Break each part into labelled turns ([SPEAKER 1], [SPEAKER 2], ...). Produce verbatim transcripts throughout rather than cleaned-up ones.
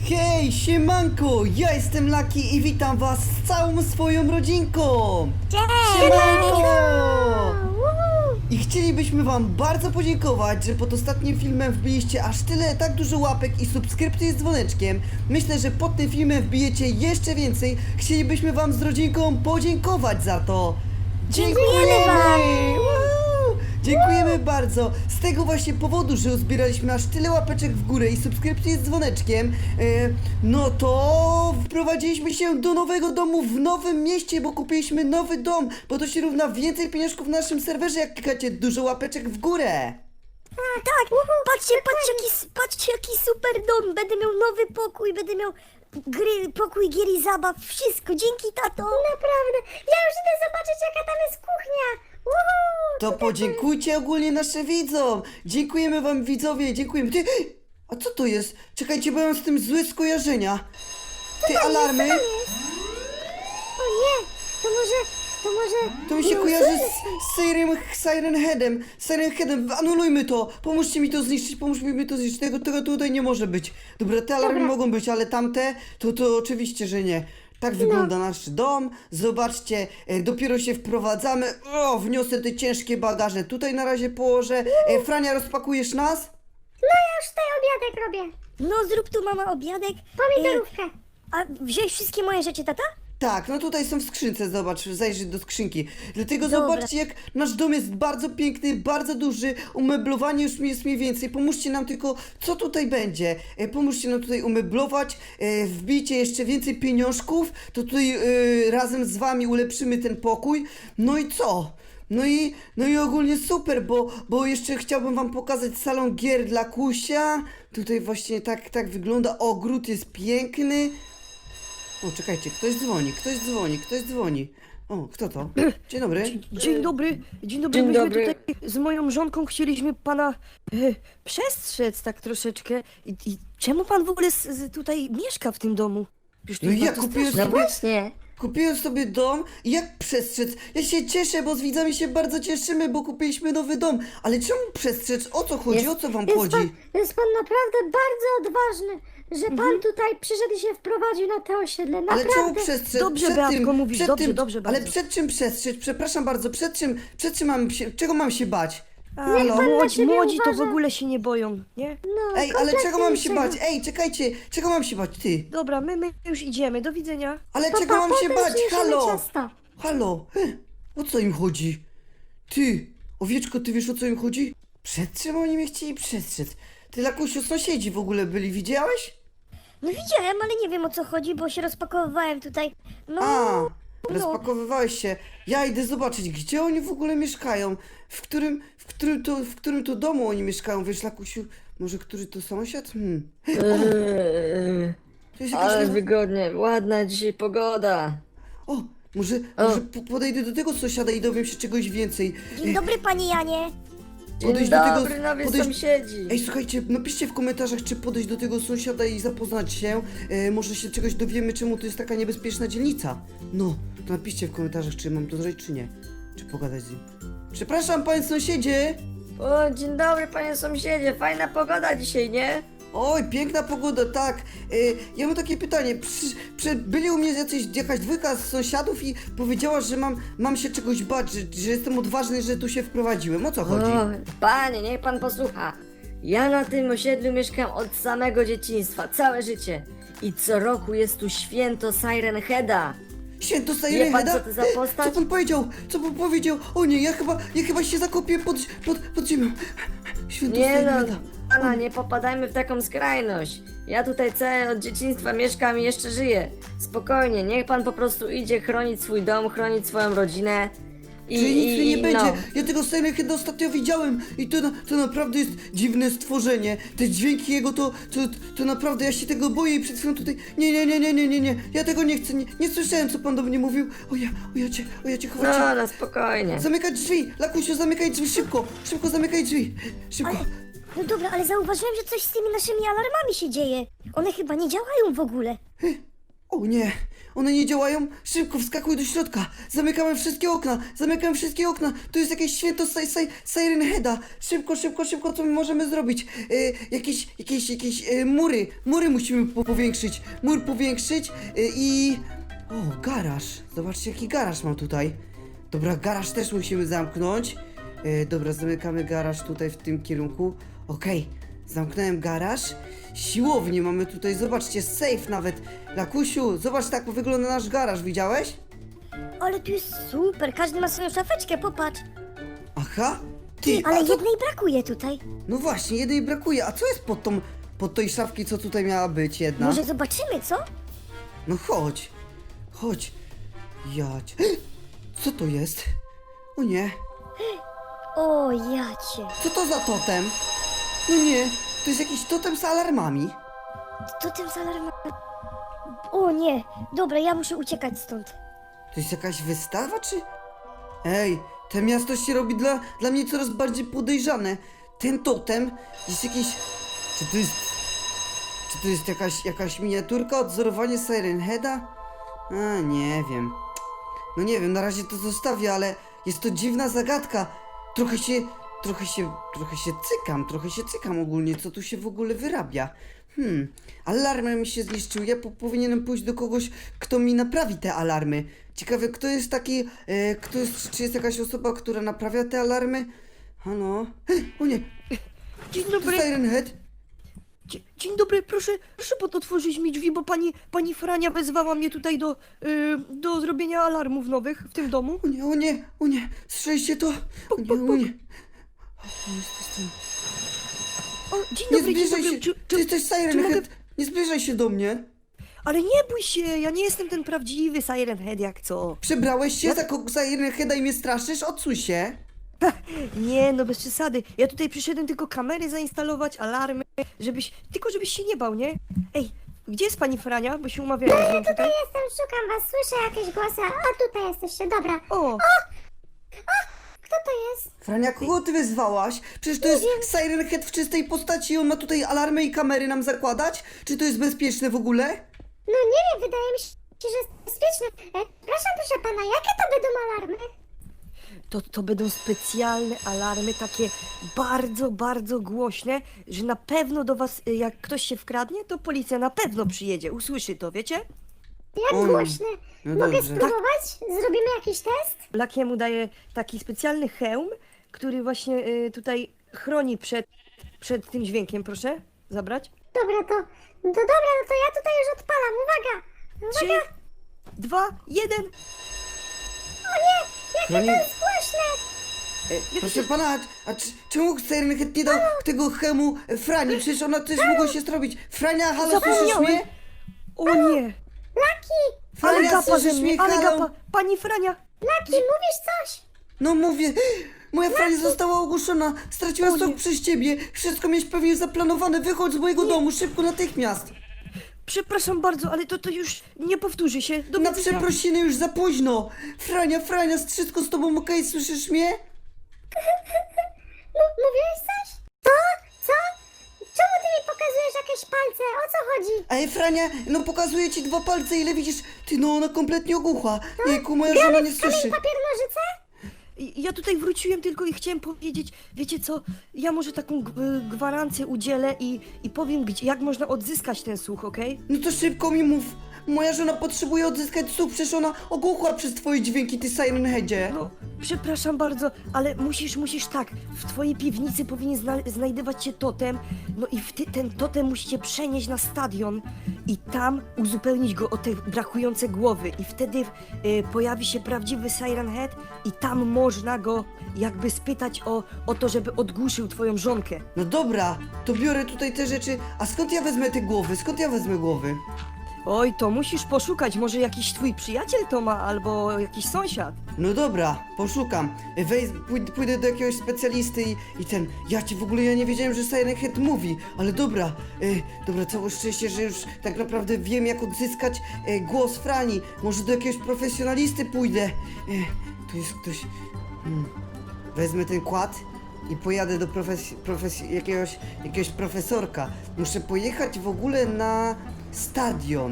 [SPEAKER 1] Hej, siemanko! Ja jestem Laki i witam was z całą swoją rodzinką! Siemanko! I chcielibyśmy wam bardzo podziękować, że pod ostatnim filmem wbiliście aż tyle, tak dużo łapek i subskrypcji z dzwoneczkiem. Myślę, że pod tym filmem wbijecie jeszcze więcej. Chcielibyśmy wam z rodzinką podziękować za to.
[SPEAKER 2] Dziękujemy wam!
[SPEAKER 1] Woo! Dziękujemy bardzo. Z tego właśnie powodu, że uzbieraliśmy aż tyle łapeczek w górę i subskrypcji z dzwoneczkiem, e, no to wprowadziliśmy się do nowego domu w nowym mieście, bo kupiliśmy nowy dom, bo to się równa więcej pieniążków w naszym serwerze, jak klikacie dużo łapeczek w górę.
[SPEAKER 2] A, tak, patrzcie, patrzcie jaki, patrzcie jaki super dom, będę miał nowy pokój, będę miał gry, pokój gier i zabaw, wszystko, dzięki tato. Naprawdę, ja już idę zobaczyć jaka tam jest kuchnia. Uhu,
[SPEAKER 1] To podziękujcie ogólnie naszym widzom. Dziękujemy wam widzowie, dziękujemy. Ty, a co to jest? Czekajcie, bo ja mam z tym złe skojarzenia. Ty, alarmy.
[SPEAKER 2] O nie, to może, to może...
[SPEAKER 1] To mi się kojarzy z Siren, Siren Headem. Siren Headem, anulujmy to. Pomóżcie mi to zniszczyć, pomóżcie mi to zniszczyć. Tego, tego tutaj nie może być. Dobra, te alarmy
[SPEAKER 2] Dobra.
[SPEAKER 1] mogą być, ale tamte, to, to oczywiście, że nie. Tak wygląda nasz dom. Zobaczcie, e, dopiero się wprowadzamy. O, wniosę te ciężkie bagaże. Tutaj na razie położę. E, Frania, rozpakujesz nas?
[SPEAKER 3] No ja już tutaj obiadek robię.
[SPEAKER 2] No zrób tu mama obiadek.
[SPEAKER 3] Pomidorówkę.
[SPEAKER 2] E, a wziąłeś wszystkie moje rzeczy, tata?
[SPEAKER 1] Tak, no tutaj są w skrzynce, zobacz, zajrzyj do skrzynki. Dlatego
[SPEAKER 2] Dobra.
[SPEAKER 1] zobaczcie, jak nasz dom jest bardzo piękny, bardzo duży, umeblowanie już jest mniej więcej. Pomóżcie nam tylko, co tutaj będzie. E, pomóżcie nam tutaj umeblować, e, wbijcie jeszcze więcej pieniążków, to tutaj e, razem z wami ulepszymy ten pokój. No i co? No i, no i ogólnie super, bo, bo jeszcze chciałbym wam pokazać salon gier dla Kusia. Tutaj właśnie tak, tak wygląda, ogród jest piękny. O, czekajcie, ktoś dzwoni, ktoś dzwoni, ktoś dzwoni. O, kto to? Dzień dobry.
[SPEAKER 4] Dzień dobry, dzień dobry.
[SPEAKER 5] Dzień
[SPEAKER 4] Myśmy
[SPEAKER 5] dobry.
[SPEAKER 4] tutaj z moją żonką chcieliśmy pana e, przestrzec tak troszeczkę. I, I czemu pan w ogóle z, z tutaj mieszka w tym domu? Przecież to
[SPEAKER 1] No
[SPEAKER 4] jest
[SPEAKER 1] ja
[SPEAKER 4] bardzo
[SPEAKER 1] kupiłem
[SPEAKER 4] straszne.
[SPEAKER 5] No
[SPEAKER 1] sobie,
[SPEAKER 5] właśnie.
[SPEAKER 1] kupiłem sobie dom i jak przestrzec? Ja się cieszę, bo z widzami się bardzo cieszymy, bo kupiliśmy nowy dom. Ale czemu przestrzec? O co chodzi?
[SPEAKER 5] Jest-
[SPEAKER 1] O co wam
[SPEAKER 3] Jest
[SPEAKER 1] chodzi?
[SPEAKER 3] pan, jest pan naprawdę bardzo odważny, że pan
[SPEAKER 4] Mhm.
[SPEAKER 3] tutaj przyszedł i się wprowadził na to osiedle.
[SPEAKER 1] Ale czemu
[SPEAKER 3] Naprawdę.
[SPEAKER 1] przestrzec?
[SPEAKER 4] Dobrze,
[SPEAKER 1] Przed
[SPEAKER 4] Beatko,
[SPEAKER 1] tym,
[SPEAKER 4] mówisz,
[SPEAKER 1] przed
[SPEAKER 4] dobrze,
[SPEAKER 1] tym,
[SPEAKER 4] dobrze
[SPEAKER 1] Ale
[SPEAKER 4] bardzo.
[SPEAKER 1] przed czym przestrzec? Przepraszam bardzo, przed czym, przed czym mam się, czego mam się bać?
[SPEAKER 4] A,
[SPEAKER 1] Halo?
[SPEAKER 3] pan na
[SPEAKER 4] młodzi,
[SPEAKER 3] siebie
[SPEAKER 4] młodzi to w
[SPEAKER 3] uważa.
[SPEAKER 4] ogóle się nie boją, nie?
[SPEAKER 3] No,
[SPEAKER 1] Ej, ale czego mam się
[SPEAKER 3] kompletnie
[SPEAKER 1] bać? Ej, czekajcie, czego mam się bać? Ty?
[SPEAKER 4] Dobra, my, my już idziemy, do widzenia.
[SPEAKER 1] Ale
[SPEAKER 3] Pa,
[SPEAKER 1] czego
[SPEAKER 3] pa,
[SPEAKER 1] mam się
[SPEAKER 3] potem
[SPEAKER 1] bać?
[SPEAKER 3] przyniesiemy
[SPEAKER 1] Halo!
[SPEAKER 3] ciasto.
[SPEAKER 1] Halo! He, o co im chodzi? Ty! Owieczko, ty wiesz o co im chodzi? Przed czym oni mnie chcieli przestrzec? Ty, Lakusiu, sąsiedzi w ogóle byli, widziałeś?
[SPEAKER 2] No widziałem, ale nie wiem o co chodzi, bo się rozpakowywałem tutaj. No,
[SPEAKER 1] A,
[SPEAKER 2] no.
[SPEAKER 1] rozpakowywałeś się. Ja idę zobaczyć, gdzie oni w ogóle mieszkają. W którym, w którym to, w którym to domu oni mieszkają, wiesz, Lakusiu? Może który to sąsiad? Hmm.
[SPEAKER 5] Eee,
[SPEAKER 1] To jest jakaś
[SPEAKER 5] ale
[SPEAKER 1] nowa...
[SPEAKER 5] wygodnie, ładna dzisiaj pogoda.
[SPEAKER 1] O, może,
[SPEAKER 5] O.
[SPEAKER 1] może po- podejdę do tego sąsiada i dowiem się czegoś więcej.
[SPEAKER 2] Dzień dobry panie Janie.
[SPEAKER 5] Dzień
[SPEAKER 1] Podejść do tego-
[SPEAKER 5] dobry, nowi
[SPEAKER 1] podejść-
[SPEAKER 5] sąsiedzi.
[SPEAKER 1] Ej, słuchajcie, napiszcie w komentarzach, czy podejść do tego sąsiada i zapoznać się. E, może się czegoś dowiemy, czemu to jest taka niebezpieczna dzielnica. No, to napiszcie w komentarzach, czy mam to zrobić, czy nie. Czy pogadać z nim. Przepraszam, panie sąsiedzie!
[SPEAKER 5] O, dzień dobry panie sąsiedzie, fajna pogoda dzisiaj, nie?
[SPEAKER 1] Oj, piękna pogoda, tak. E, ja mam takie pytanie. Przy, przy, byli u mnie jacyś, jakaś dwójka z sąsiadów i powiedziała, że mam, mam się czegoś bać, że, że jestem odważny, że tu się wprowadziłem. O co chodzi?
[SPEAKER 5] O, panie, niech pan posłucha. Ja na tym osiedlu mieszkam od samego dzieciństwa, całe życie. I co roku jest tu święto Siren Heada.
[SPEAKER 1] Święto
[SPEAKER 5] Wie
[SPEAKER 1] Siren
[SPEAKER 5] pan,
[SPEAKER 1] Heada?
[SPEAKER 5] co to za postać?
[SPEAKER 1] Co pan powiedział? Co pan powiedział? O nie, ja chyba, ja chyba się zakopię pod, pod, pod ziemią. Święto
[SPEAKER 5] Nie
[SPEAKER 1] Siren
[SPEAKER 5] no,
[SPEAKER 1] Heada.
[SPEAKER 5] pana, nie popadajmy w taką skrajność. Ja tutaj całe od dzieciństwa mieszkam i jeszcze żyję. Spokojnie, niech pan po prostu idzie chronić swój dom, chronić swoją rodzinę. I,
[SPEAKER 1] Czyli nic
[SPEAKER 5] i,
[SPEAKER 1] mi nie
[SPEAKER 5] i
[SPEAKER 1] będzie.
[SPEAKER 5] no.
[SPEAKER 1] Ja tego Siren Heada ostatnio widziałem i to, na- to naprawdę jest dziwne stworzenie. Te dźwięki jego to, to, to naprawdę ja się tego boję i przed chwilą tutaj... Nie, nie, nie, nie, nie, nie, nie. Ja tego nie chcę. Nie, nie słyszałem, co pan do mnie mówił. O ja, o ja cię, o ja cię chowam.
[SPEAKER 5] No, no spokojnie.
[SPEAKER 1] Zamykaj drzwi! Lakusiu, zamykaj drzwi, szybko! Szybko zamykaj drzwi! Szybko!
[SPEAKER 2] Ale, no dobra, ale zauważyłem, że coś z tymi naszymi alarmami się dzieje. One chyba nie działają w ogóle.
[SPEAKER 1] O nie, one nie działają? Szybko wskakuj do środka. Zamykamy wszystkie okna, zamykamy wszystkie okna. Tu jest jakieś święto si si Siren Heada. Szybko, szybko, szybko, co my możemy zrobić? E, jakieś, jakieś, jakieś e, mury, mury musimy po powiększyć. Mur powiększyć e, i... O, garaż. Zobaczcie, jaki garaż mam tutaj. Dobra, garaż też musimy zamknąć. E, dobra, zamykamy garaż tutaj w tym kierunku. Okej, zamknąłem garaż. Siłownię mamy tutaj, zobaczcie, safe nawet. Lakusiu, zobacz, tak wygląda nasz garaż, widziałeś?
[SPEAKER 2] Ale tu jest super, każdy ma swoją szafeczkę, popatrz.
[SPEAKER 1] Aha, ty,
[SPEAKER 2] Ale
[SPEAKER 1] a co...
[SPEAKER 2] jednej brakuje tutaj.
[SPEAKER 1] No właśnie, jednej brakuje, a co jest pod tą, pod tej szafki, co tutaj miała być jedna?
[SPEAKER 2] Może zobaczymy, co?
[SPEAKER 1] No chodź, chodź. Jać. Co to jest? O nie,
[SPEAKER 2] O, jacie.
[SPEAKER 1] co to za totem? No nie, to jest jakiś totem z alarmami.
[SPEAKER 2] To tym z alarmem. O nie, dobra, ja muszę uciekać stąd.
[SPEAKER 1] To jest jakaś wystawa, czy... Ej, to miasto się robi dla, dla mnie coraz bardziej podejrzane. Ten totem jest jakiś... Czy to jest... Czy to jest jakaś, jakaś miniaturka, odzorowanie Siren Heada? A, nie wiem. No nie wiem, na razie to zostawię, ale jest to dziwna zagadka. Trochę się... Trochę się... Trochę się cykam, trochę się cykam ogólnie, co tu się w ogóle wyrabia. Hmm, alarmy mi się zniszczyły. Ja po powinienem pójść do kogoś, kto mi naprawi te alarmy. Ciekawe, kto jest taki, e, kto jest, czy jest jakaś osoba, która naprawia te alarmy? Halo? Hej, o nie,
[SPEAKER 4] Dzień
[SPEAKER 1] to
[SPEAKER 4] dobry.
[SPEAKER 1] Siren Head?
[SPEAKER 4] Dzie- Dzień dobry, proszę, proszę pod otworzyć mi drzwi, bo pani, pani Frania wezwała mnie tutaj do, y, do zrobienia alarmów nowych w tym domu.
[SPEAKER 1] O nie, o nie, o nie, słyszeliście to? O nie, o nie. O, jest to-
[SPEAKER 4] O, dzień
[SPEAKER 1] Nie
[SPEAKER 4] dobry, dzień
[SPEAKER 1] zbliżaj
[SPEAKER 4] dobry.
[SPEAKER 1] się,
[SPEAKER 4] Czy,
[SPEAKER 1] ty
[SPEAKER 4] czy,
[SPEAKER 1] jesteś Siren
[SPEAKER 4] czy mogę-
[SPEAKER 1] Head, nie zbliżaj się do mnie.
[SPEAKER 4] Ale nie bój się, ja nie jestem ten prawdziwy Siren Head jak co.
[SPEAKER 1] Przebrałeś się za ko- Siren Heada i mnie straszysz? Odsuń się.
[SPEAKER 4] Nie, no bez przesady. Ja tutaj przyszedłem tylko kamery zainstalować, alarmy, żebyś, tylko żebyś się nie bał, nie? Ej, gdzie jest pani Frania? Bo się umawiałem z nią tutaj.
[SPEAKER 3] Tutaj jestem, szukam was, słyszę jakieś głosy. A tutaj jesteście, dobra.
[SPEAKER 4] O,
[SPEAKER 3] Kto to jest?
[SPEAKER 1] Frania, kogo ty wyzwałaś? Przecież to jest Siren Head w czystej postaci i on ma tutaj alarmy i kamery nam zakładać? Czy to jest bezpieczne w ogóle?
[SPEAKER 3] No nie wiem, wydaje mi się, że jest bezpieczne. E, proszę, proszę pana, jakie to będą alarmy?
[SPEAKER 4] to, to będą specjalne alarmy, takie bardzo, bardzo głośne, że na pewno do was, y, jak ktoś się wkradnie, to policja na pewno przyjedzie, usłyszy to, wiecie?
[SPEAKER 3] Jak
[SPEAKER 1] O,
[SPEAKER 3] głośne.
[SPEAKER 1] no
[SPEAKER 3] Mogę
[SPEAKER 1] dobrze.
[SPEAKER 3] spróbować? Zrobimy jakiś test?
[SPEAKER 4] Lakiemu daje taki specjalny hełm, który właśnie y, tutaj chroni przed, przed tym dźwiękiem, proszę zabrać.
[SPEAKER 3] Dobra, to... No dobra, no to ja tutaj już odpalam, uwaga!
[SPEAKER 4] Trzy,
[SPEAKER 3] Uwaga!
[SPEAKER 4] dwa, jeden.
[SPEAKER 1] Frani,
[SPEAKER 3] Głośne!
[SPEAKER 1] e, proszę pana, a czy, czemu Siren Head nie dał tego chemu Frani? Przecież ona też mogła się zrobić. Frania, halo, słyszysz
[SPEAKER 4] Zapomniałem.
[SPEAKER 1] mnie?
[SPEAKER 4] O nie!
[SPEAKER 3] Laki!
[SPEAKER 4] Ale
[SPEAKER 1] Frania,
[SPEAKER 4] gapa ze
[SPEAKER 1] słyszysz
[SPEAKER 4] mnie,
[SPEAKER 1] mnie,
[SPEAKER 4] ale
[SPEAKER 1] halo?
[SPEAKER 4] gapa! Pani Frania!
[SPEAKER 3] Laki, mówisz coś?
[SPEAKER 1] No mówię, moja Frania została ogłuszona, straciła
[SPEAKER 4] O
[SPEAKER 1] sok
[SPEAKER 4] nie.
[SPEAKER 1] przez ciebie. Wszystko miałeś pewnie zaplanowane, wychodź z mojego domu, szybko, natychmiast.
[SPEAKER 4] Przepraszam bardzo, ale to, to już nie powtórzy się. Do
[SPEAKER 1] Na
[SPEAKER 4] widzenia.
[SPEAKER 1] przeprosiny już za późno. Frania, Frania, wszystko z tobą okej, słyszysz mnie?
[SPEAKER 3] M- mówiłeś coś? Co? Co? Czemu ty mi pokazujesz jakieś palce? O co chodzi?
[SPEAKER 1] Ej, Frania, no pokazuję ci dwa palce, ile widzisz? Ty, no ona kompletnie ogłucha. Jejku, moja żona nie
[SPEAKER 3] Kamień,
[SPEAKER 1] słyszy.
[SPEAKER 3] papier, nożyce?
[SPEAKER 4] I- Ja tutaj wróciłem tylko i chciałem powiedzieć, wiecie co, ja może taką g- y, gwarancję udzielę i, i powiem, gdzie, jak można odzyskać ten słuch, okej?
[SPEAKER 1] No to szybko mi mów. Moja żona potrzebuje odzyskać słuch, przecież ona ogłuchła przez twoje dźwięki, ty Siren Headzie.
[SPEAKER 4] No, przepraszam bardzo, ale musisz, musisz tak, w twojej piwnicy powinien zna znajdować się totem, no i w ty ten totem musicie przenieść na stadion i tam uzupełnić go o te brakujące głowy i wtedy y, pojawi się prawdziwy Siren Head i tam można go jakby spytać o, o to, żeby odgłuszył twoją żonkę.
[SPEAKER 1] No dobra, to biorę tutaj te rzeczy. A skąd ja wezmę te głowy? Skąd ja wezmę głowy?
[SPEAKER 4] Oj, to musisz poszukać, może jakiś twój przyjaciel to ma, albo jakiś sąsiad.
[SPEAKER 1] No dobra, poszukam. Wej, pój- pójdę do jakiegoś specjalisty i, i ten. Ja ci w ogóle ja nie wiedziałem, że Siren Head mówi, ale dobra, y, dobra, całe szczęście, że już tak naprawdę wiem, jak odzyskać y, głos Frani. Może do jakiegoś profesjonalisty pójdę. Y, tu jest ktoś. Hmm. Wezmę ten kład i pojadę do profes- profes- jakiegoś, jakiegoś profesorka. Muszę pojechać w ogóle na stadion.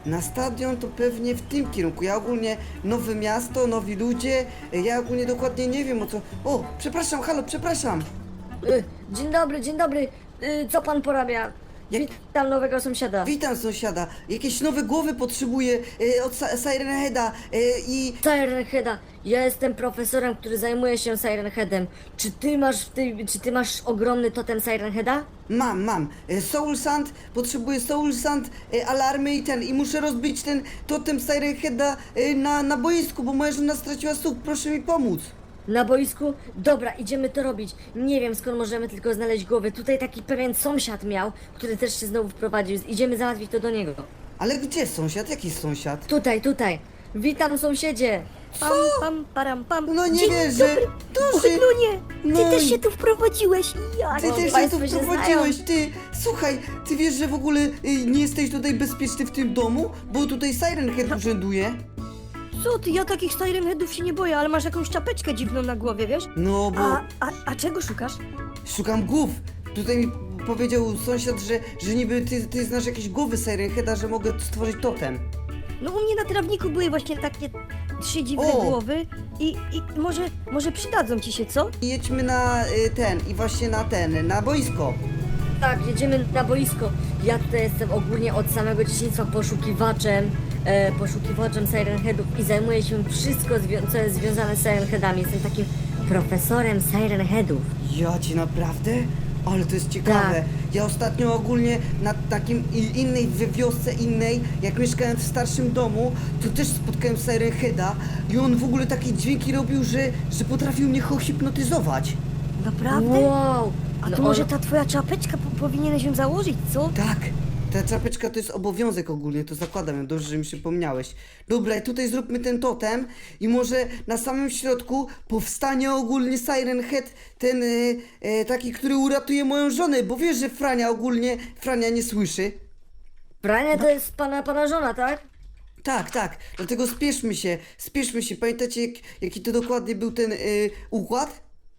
[SPEAKER 1] Na stadion to pewnie w tym kierunku. Ja ogólnie nowe miasto, nowi ludzie. e, Ja ogólnie dokładnie nie wiem o co. O, przepraszam, halo, przepraszam.
[SPEAKER 5] Y, dzień dobry, dzień dobry. Y, co pan porabia?
[SPEAKER 1] Jak-
[SPEAKER 5] Witam nowego sąsiada.
[SPEAKER 1] Witam sąsiada. Jakieś nowe głowy potrzebuję e, od Sa- Siren Heada e, i.
[SPEAKER 5] Siren Heada. Ja jestem profesorem, który zajmuje się Siren Headem. Czy ty masz w tej, czy ty masz ogromny totem Siren Heada?
[SPEAKER 1] Mam, mam. E, Soul Sand, potrzebuję Soul Sand, e, alarmy i ten. I muszę rozbić ten totem Siren Heada e, na, na boisku, bo moja żona straciła słuch. Proszę mi pomóc.
[SPEAKER 5] Na boisku? Dobra, idziemy to robić. Nie wiem skąd możemy tylko znaleźć głowy. Tutaj taki pewien sąsiad miał, który też się znowu wprowadził. Idziemy załatwić to do niego.
[SPEAKER 1] Ale gdzie sąsiad? Jaki sąsiad?
[SPEAKER 5] Tutaj, tutaj. Witam sąsiedzie.
[SPEAKER 2] Pam, pam, param, pam.
[SPEAKER 1] No nie
[SPEAKER 2] Dzień
[SPEAKER 1] wierzę.
[SPEAKER 2] dobry.
[SPEAKER 1] Duży.
[SPEAKER 2] Ochlunie, ty
[SPEAKER 1] No
[SPEAKER 2] też
[SPEAKER 1] i-
[SPEAKER 2] się tu wprowadziłeś. Ja.
[SPEAKER 1] Ty
[SPEAKER 5] O,
[SPEAKER 1] też się tu
[SPEAKER 5] państwo się
[SPEAKER 1] wprowadziłeś, ty! Słuchaj, ty wiesz, że w ogóle y, nie jesteś tutaj bezpieczny w tym domu? Bo tutaj Siren Head urzęduje.
[SPEAKER 4] Co ty, ja takich Siren Headów się nie boję, ale masz jakąś czapeczkę dziwną na głowie, wiesz?
[SPEAKER 1] No bo
[SPEAKER 4] A, a, a czego szukasz?
[SPEAKER 1] szukam głów. Tutaj mi powiedział sąsiad, że, że niby ty, ty znasz jakieś głowy Siren Heada, że mogę stworzyć totem.
[SPEAKER 4] No u mnie na trawniku były właśnie takie trzy dziwne
[SPEAKER 1] O!
[SPEAKER 4] głowy i, i może, może przydadzą ci się, co?
[SPEAKER 1] I jedźmy na y, ten, i właśnie na ten, na boisko.
[SPEAKER 5] Tak, jedziemy na boisko. Ja tutaj jestem ogólnie od samego dzieciństwa poszukiwaczem, e, poszukiwaczem Siren Headów i zajmuję się wszystko, zwią- co jest związane z Siren Headami. Jestem takim profesorem Siren Headów.
[SPEAKER 1] Ja ci naprawdę? Ale to jest ciekawe.
[SPEAKER 5] Tak.
[SPEAKER 1] Ja ostatnio ogólnie na takim i- innej wi- wiosce innej, jak mieszkałem w starszym domu, to też spotkałem Siren Heada i on w ogóle takie dźwięki robił, że, że potrafił mnie hipnotyzować.
[SPEAKER 4] Naprawdę?
[SPEAKER 5] Wow!
[SPEAKER 4] A
[SPEAKER 5] No
[SPEAKER 4] to może
[SPEAKER 5] on-
[SPEAKER 4] ta twoja czapeczka po, powinieneś ją założyć, co?
[SPEAKER 1] Tak, ta czapeczka to jest obowiązek ogólnie, to zakładam ją, dobrze, że mi przypomniałeś. Dobra, i tutaj zróbmy ten totem i może na samym środku powstanie ogólnie Siren Head, ten e, e, taki, który uratuje moją żonę, bo wiesz, że Frania ogólnie, Frania nie słyszy.
[SPEAKER 5] Pranie to jest pana, pana żona, tak?
[SPEAKER 1] Tak, tak, dlatego spieszmy się, spieszmy się. Pamiętacie, jak, jaki to dokładnie był ten y, układ?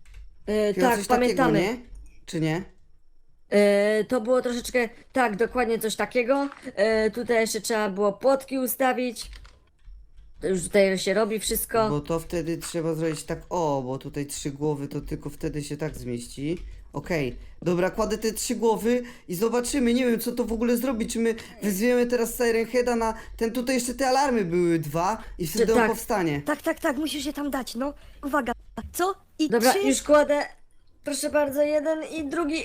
[SPEAKER 5] E,
[SPEAKER 1] Chyba
[SPEAKER 5] tak,
[SPEAKER 1] coś
[SPEAKER 5] pamiętamy.
[SPEAKER 1] Takiego, nie? Czy nie?
[SPEAKER 5] E, to było troszeczkę, tak, dokładnie coś takiego. E, tutaj jeszcze trzeba było płotki ustawić. To już tutaj się robi wszystko.
[SPEAKER 1] Bo to wtedy trzeba zrobić tak, o, bo tutaj trzy głowy, to tylko wtedy się tak zmieści. Okej, dobra, kładę te trzy głowy i zobaczymy, nie wiem co to w ogóle zrobić, czy my wyzwiemy teraz Siren Heada na ten, tutaj jeszcze te alarmy były dwa i wtedy on
[SPEAKER 5] tak.
[SPEAKER 1] powstanie.
[SPEAKER 4] Tak, tak, tak, musisz je tam dać, no. Uwaga, co? I
[SPEAKER 5] Dobra,
[SPEAKER 4] trzy...
[SPEAKER 5] już kładę. Proszę bardzo, jeden i drugi.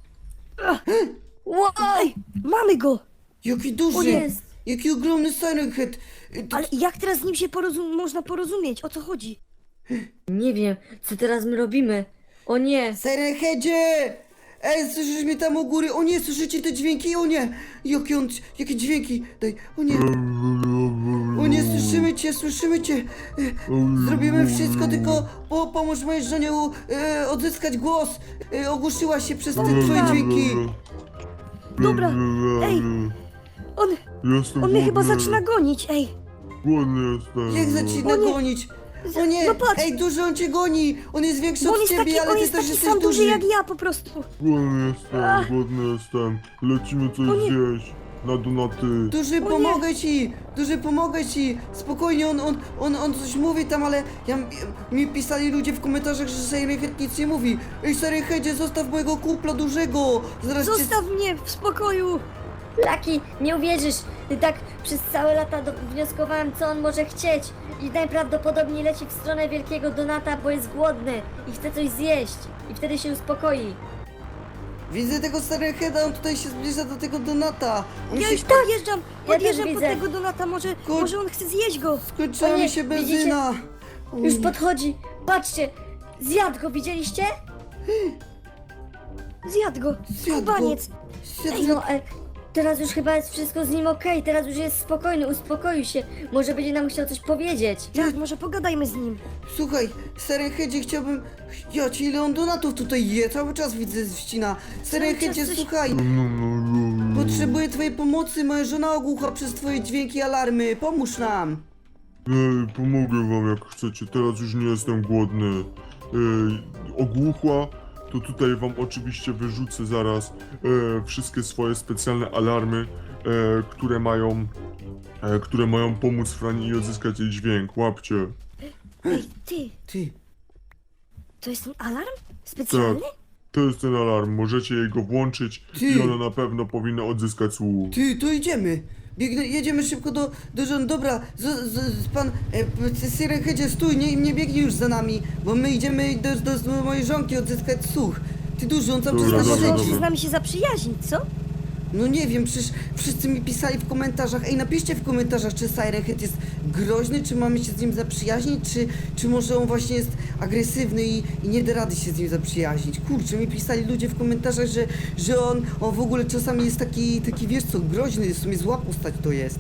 [SPEAKER 5] Wow!
[SPEAKER 4] Ej, mamy go!
[SPEAKER 1] Jaki duży,
[SPEAKER 5] O, jest.
[SPEAKER 1] jaki ogromny Siren Head. Y, to-
[SPEAKER 4] Ale jak teraz z nim się porozum- można porozumieć? O co chodzi?
[SPEAKER 5] Nie wiem, co teraz my robimy. O nie!
[SPEAKER 1] Siren Headzie! Ej, słyszysz mnie tam u góry? O nie, słyszycie te dźwięki? O nie! Jakie on, jakie dźwięki? Daj, o nie! O nie, słyszymy cię, słyszymy cię! E, Zrobimy wszystko, tylko po, pomóż mojej żonie u, e, odzyskać głos! E, ogłuszyła się przez te twoje dźwięki!
[SPEAKER 4] Dobra, ej, on,
[SPEAKER 6] Jestem
[SPEAKER 4] on mnie chyba
[SPEAKER 6] głodny.
[SPEAKER 4] zaczyna gonić, ej.
[SPEAKER 6] Głodny jestem.
[SPEAKER 1] Jak zaczyna
[SPEAKER 4] O nie.
[SPEAKER 1] gonić? O nie!
[SPEAKER 4] No patrz.
[SPEAKER 1] Ej, duży on cię goni! On jest większy
[SPEAKER 4] Bo on
[SPEAKER 1] od
[SPEAKER 4] jest
[SPEAKER 1] ciebie,
[SPEAKER 4] taki,
[SPEAKER 1] ale
[SPEAKER 4] on
[SPEAKER 1] ty
[SPEAKER 4] jest
[SPEAKER 1] też
[SPEAKER 4] taki
[SPEAKER 1] jesteś
[SPEAKER 4] sam duży
[SPEAKER 1] duży!
[SPEAKER 4] jak ja po prostu.
[SPEAKER 6] Głodny jestem, głodny jestem. Lecimy coś
[SPEAKER 4] O nie.
[SPEAKER 6] zjeść. Na donaty.
[SPEAKER 1] Duży,
[SPEAKER 4] nie.
[SPEAKER 1] pomogę ci! Duży, pomogę ci! Spokojnie, on, on, on, on coś mówi tam, ale ja, mi pisali ludzie w komentarzach, że Siren Head nic nie mówi. Ej, Siren Headzie, zostaw mojego kumpla dużego! Zaraz cię...
[SPEAKER 4] Zostaw mnie w spokoju.
[SPEAKER 5] Laki, nie uwierzysz! I tak przez całe lata do- wnioskowałem, co on może chcieć. I najprawdopodobniej leci w stronę wielkiego Donata, bo jest głodny i chce coś zjeść. I wtedy się uspokoi.
[SPEAKER 1] Widzę tego Siren Heada, on tutaj się zbliża do tego Donata. On
[SPEAKER 4] Ja
[SPEAKER 1] się...
[SPEAKER 4] już podjeżdżam,
[SPEAKER 5] Ja
[SPEAKER 4] podjeżdżam
[SPEAKER 5] też
[SPEAKER 4] po
[SPEAKER 5] widzę.
[SPEAKER 4] tego Donata, może,
[SPEAKER 1] Kur-
[SPEAKER 4] może on chce zjeść go.
[SPEAKER 1] Skończyła
[SPEAKER 5] O nie,
[SPEAKER 1] mi się
[SPEAKER 5] widzicie?
[SPEAKER 1] benzyna!
[SPEAKER 5] Już podchodzi! Patrzcie! Zjadł go, widzieliście?
[SPEAKER 4] Zjadł go,
[SPEAKER 1] Zjadł go.
[SPEAKER 4] skubaniec.
[SPEAKER 1] Zjadł-
[SPEAKER 5] No, e, teraz już chyba jest wszystko z nim okej, teraz już jest spokojny, uspokoił się. Może będzie nam chciał coś powiedzieć.
[SPEAKER 4] Tak, może pogadajmy z nim.
[SPEAKER 1] Słuchaj, Siren Headzie, chciałbym... Ja ci ile on donatów tutaj je, cały czas widzę ścina. Siren
[SPEAKER 4] Cały czas
[SPEAKER 1] Headzie,
[SPEAKER 4] coś-
[SPEAKER 1] słuchaj,
[SPEAKER 6] No, no, no.
[SPEAKER 1] potrzebuję twojej pomocy, moja żona ogłucha przez twoje dźwięki i alarmy, pomóż nam!
[SPEAKER 6] Ej, pomogę wam jak chcecie. Teraz już nie jestem głodny. Ej, ogłuchła. To tutaj wam oczywiście wyrzucę zaraz e, wszystkie swoje specjalne alarmy. które mają, e, które mają pomóc Frani odzyskać jej dźwięk. Łapcie.
[SPEAKER 4] Ej, ty,
[SPEAKER 1] Ty,
[SPEAKER 4] to jest ten alarm? Specjalny?
[SPEAKER 6] Tak, to jest ten alarm. Możecie jej go włączyć
[SPEAKER 1] Ty.
[SPEAKER 6] i ona na pewno powinna odzyskać słuch.
[SPEAKER 1] ty, to idziemy. Biegnę, jedziemy szybko do, do żon. Dobra, z, z, z, pan e, Siren Headzie, stój, nie, nie biegnij już za nami, bo my idziemy do, do, do mojej żonki odzyskać słuch. Ty duży, on cały czas
[SPEAKER 6] Dobra,
[SPEAKER 1] nas
[SPEAKER 6] dobra,
[SPEAKER 1] śledzi.
[SPEAKER 4] Może
[SPEAKER 6] dobra.
[SPEAKER 4] z nami się zaprzyjaźnić, co?
[SPEAKER 1] No nie wiem, przecież wszyscy mi pisali w komentarzach. Ej, napiszcie w komentarzach, czy Siren Head jest groźny, czy mamy się z nim zaprzyjaźnić, czy, czy może on właśnie jest agresywny i, i nie da rady się z nim zaprzyjaźnić. Kurczę, mi pisali ludzie w komentarzach, że, że on, on w ogóle czasami jest taki, taki wiesz co, groźny, w sumie zła postać to jest.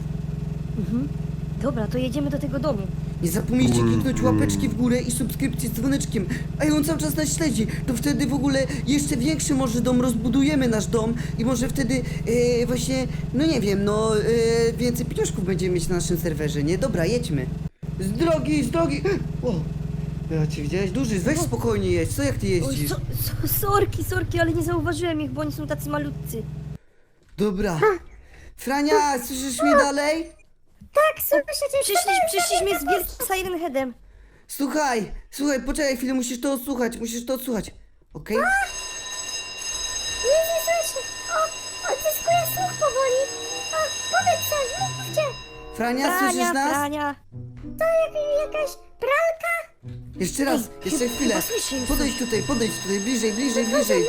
[SPEAKER 4] Dobra, to jedziemy do tego domu.
[SPEAKER 1] Nie zapomnijcie
[SPEAKER 6] Mm,
[SPEAKER 1] kliknąć
[SPEAKER 6] mm.
[SPEAKER 1] łapeczki w górę i subskrypcji z dzwoneczkiem. A on cały czas nas śledzi. To wtedy w ogóle jeszcze większy może dom, rozbudujemy nasz dom i może wtedy e, właśnie, no nie wiem, no e, więcej pieniążków będziemy mieć na naszym serwerze, nie? Dobra, jedźmy. Z drogi, z drogi! O, ja cię widziałeś? Duży, weź spokojnie jedź. Co jak ty
[SPEAKER 4] Oj,
[SPEAKER 1] jeździsz?
[SPEAKER 4] so, so, sorki, sorki, ale nie zauważyłem ich, bo oni są tacy malutcy.
[SPEAKER 1] Dobra. Frania, słyszysz mnie dalej?
[SPEAKER 3] Tak, słyszę cię.
[SPEAKER 4] Przyszli, przyszliśmy z wielkim Siren Headem.
[SPEAKER 1] Słuchaj, słuchaj, poczekaj chwilę, musisz to odsłuchać, musisz to odsłuchać. Okej?
[SPEAKER 3] Nie, nie słyszę. O, odzyskuję słuch powoli. O, powiedz coś, mówcie.
[SPEAKER 1] Frania, słyszysz
[SPEAKER 4] Frania,
[SPEAKER 1] nas?
[SPEAKER 4] Frania.
[SPEAKER 3] To jak, jakaś pralka?
[SPEAKER 1] Jeszcze raz,
[SPEAKER 4] Ej,
[SPEAKER 1] jeszcze
[SPEAKER 4] chyba-
[SPEAKER 1] chwilę.
[SPEAKER 4] chyba słyszę już
[SPEAKER 1] Podejdź tutaj, podejdź tutaj, bliżej, bliżej, bliżej.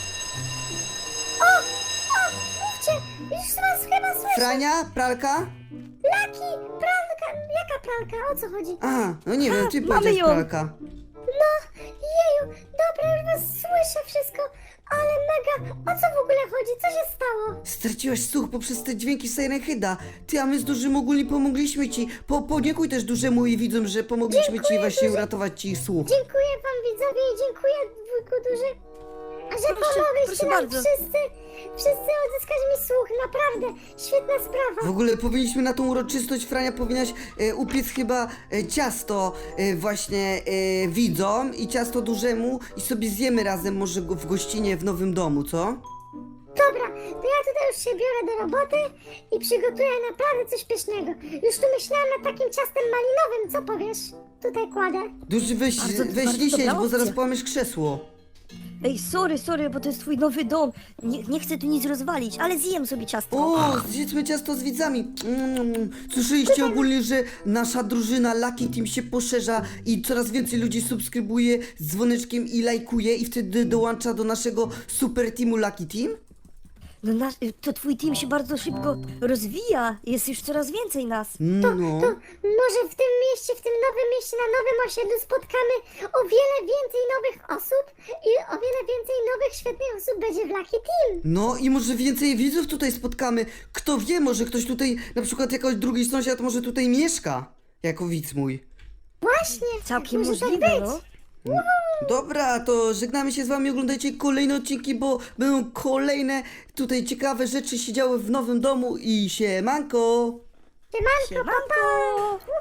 [SPEAKER 3] O, o, mówcie. Już was chyba słyszę.
[SPEAKER 1] Frania, pralka?
[SPEAKER 3] Laki, pralka. Jaka pralka? O co chodzi?
[SPEAKER 1] Aha, no nie wiem, ty
[SPEAKER 4] mamy
[SPEAKER 1] powiedziałeś
[SPEAKER 4] ją.
[SPEAKER 1] pralka.
[SPEAKER 3] No, jeju, dobra, już was słyszę wszystko, ale mega, o co w ogóle chodzi? Co się stało?
[SPEAKER 1] Straciłaś słuch poprzez te dźwięki Siren Heada. Ty, a my z dużym ogólnie pomogliśmy ci. Po, podziękuj też dużemu i widzom, że pomogliśmy ci właśnie uratować ci słuch.
[SPEAKER 3] Dziękuję wam widzowie i dziękuję wujku duży, że
[SPEAKER 4] Proszę,
[SPEAKER 3] pomogliście
[SPEAKER 4] proszę
[SPEAKER 3] nam
[SPEAKER 4] bardzo.
[SPEAKER 3] wszyscy, wszyscy odzyskać mi słuch, naprawdę, świetna sprawa.
[SPEAKER 1] W ogóle powinniśmy na tą uroczystość, Frania, powinnaś e, upiec chyba e, ciasto e, właśnie e, widzom i ciasto dużemu i sobie zjemy razem może go w gościnie w nowym domu, co?
[SPEAKER 3] Dobra, to ja tutaj już się biorę do roboty i przygotuję naprawdę coś pysznego. Już tu myślałam nad takim ciastem malinowym, co powiesz? Tutaj kładę.
[SPEAKER 1] Duży, weź,
[SPEAKER 4] Bardzo-
[SPEAKER 1] weź
[SPEAKER 4] bardzo
[SPEAKER 1] nie siedź,
[SPEAKER 4] dobra
[SPEAKER 1] bo zaraz
[SPEAKER 4] opcja.
[SPEAKER 1] połamiesz krzesło.
[SPEAKER 4] Ej, sorry, sorry, bo to jest twój nowy dom. Nie, nie chcę tu nic rozwalić, ale zjem sobie ciasto.
[SPEAKER 1] O, zjedzmy ciasto z widzami. Mm, słyszeliście ogólnie, że nasza drużyna Lucky Team się poszerza i coraz więcej ludzi subskrybuje z dzwoneczkiem i lajkuje i wtedy dołącza do naszego super teamu Lucky Team?
[SPEAKER 4] No nasz, to twój team się bardzo szybko rozwija. Jest już coraz więcej nas.
[SPEAKER 1] No.
[SPEAKER 3] Może w tym mieście, w tym nowym mieście, na nowym osiedlu spotkamy o wiele więcej nowych osób i o wiele więcej nowych, świetnych osób będzie w Lucky Team.
[SPEAKER 1] No i może więcej widzów tutaj spotkamy. Kto wie, może ktoś tutaj, na przykład jakiś drugi sąsiad może tutaj mieszka. Jako widz mój.
[SPEAKER 3] Właśnie,
[SPEAKER 4] Całkiem
[SPEAKER 3] może
[SPEAKER 4] możliwe,
[SPEAKER 3] tak być.
[SPEAKER 4] no.
[SPEAKER 1] Dobra, to żegnamy się z wami, oglądajcie kolejne odcinki, bo będą kolejne tutaj ciekawe rzeczy się działy w nowym domu i siemanko!
[SPEAKER 3] Siemanko,
[SPEAKER 4] Siemanko!